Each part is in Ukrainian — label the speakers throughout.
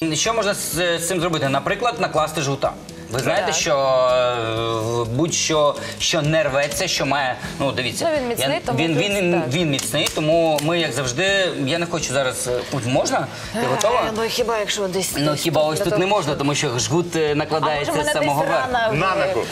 Speaker 1: Що можна з цим зробити? Наприклад, накласти жгута. Ви знаєте, що будь-що, що не рветься, що має, ну дивіться,
Speaker 2: він міцний, тому
Speaker 1: він міцний, тому ми, як завжди, я не хочу зараз, можна? Ти готова?
Speaker 2: Ну хіба якщо десь...
Speaker 1: Ну хіба ось тут не можна, тому що жгут накладається з самого верху.
Speaker 3: На ногу.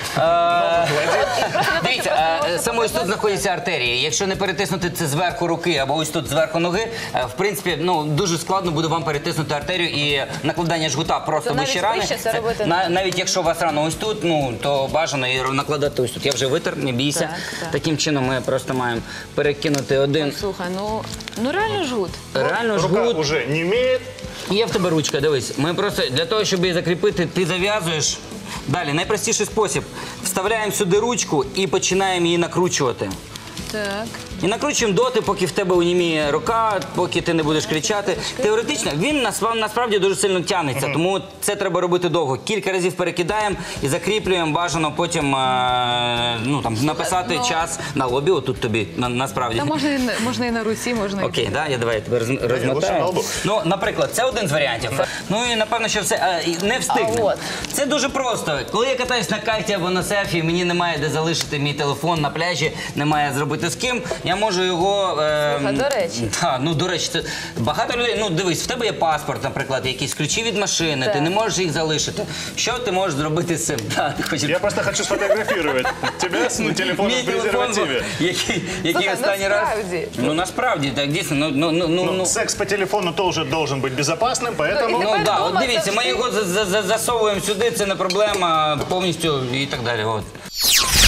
Speaker 1: Дивіться, саме ось тут знаходяться артерії. Якщо не перетиснути це зверху руки або ось тут зверху ноги, в принципі, ну дуже складно буде вам перетиснути артерію і накладання жгута просто вище рани. Навіть якщо у вас рана ось тут, ну то бажано її накладати ось тут. Я вже витер, не бійся. Таким чином ми просто маємо перекинути один.
Speaker 2: Слухай, ну реально жгут.
Speaker 1: Реально
Speaker 3: Рука
Speaker 1: жгут.
Speaker 3: уже не имеет.
Speaker 1: Є в тебе ручка, дивись. Ми просто для того, щоб її закріпити, ти зав'язуєш. Далі, найпростіший спосіб. Вставляємо сюди ручку і починаємо її накручувати.
Speaker 2: Так.
Speaker 1: І накручуємо доти, поки в тебе уніміє рука, поки ти не будеш кричати. Теоретично він насправді дуже сильно тягнеться, тому це треба робити довго. Кілька разів перекидаємо і закріплюємо, бажано потім написати час на лобі, отут тобі, насправді.
Speaker 2: Та можна і на руці, можна і...
Speaker 1: Окей, давай я тебе розмотаю. Ну, наприклад, це один з варіантів. Ну і напевно, що все, не встигне. Це дуже просто. Коли я катаюсь на кайті або на серфі, мені немає де залишити мій телефон на пляжі, немає зробити з ким, я можу його...
Speaker 2: До речі.
Speaker 1: Ну, до речі, це багато людей, ну, дивись, в тебе є паспорт, наприклад, якісь ключі від машини, ти не можеш їх залишити. Що ти можеш зробити з цим?
Speaker 3: Я просто хочу сфотографировать тебя с телефоном в презервативе.
Speaker 1: Який останній раз... Ну, насправді, так, дійсно, ну...
Speaker 3: Секс по телефону тоже должен быть безопасным, поэтому...
Speaker 1: Ну, так, от дивіться, ми його засовуємо сюди, це не проблема, повністю і так далі, от.